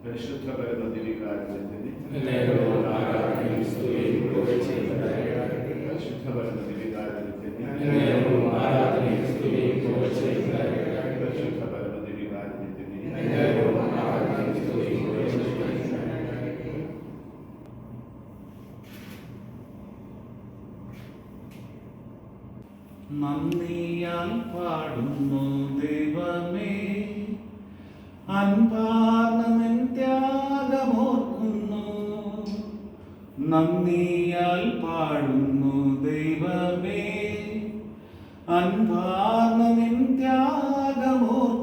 പരിശുദ്ധ പരമദിവികാരുണ്യത്തിന് പരിശുദ്ധ പരമദിവികാരുണ്യത്തിന് പരിശുദ്ധ പരമദിവികാരുണ്യത്തിന് നന്ദിയാൽ പാടുന്നു ദൈവമേ, അൻപാർന്ന നിൻ ത്യാഗമോർക്കുന്നു. നന്ദിയാൽ പാടുന്നു ദൈവമേ, അൻപാർന്ന നിൻ ത്യാഗമോർക്കുന്നു.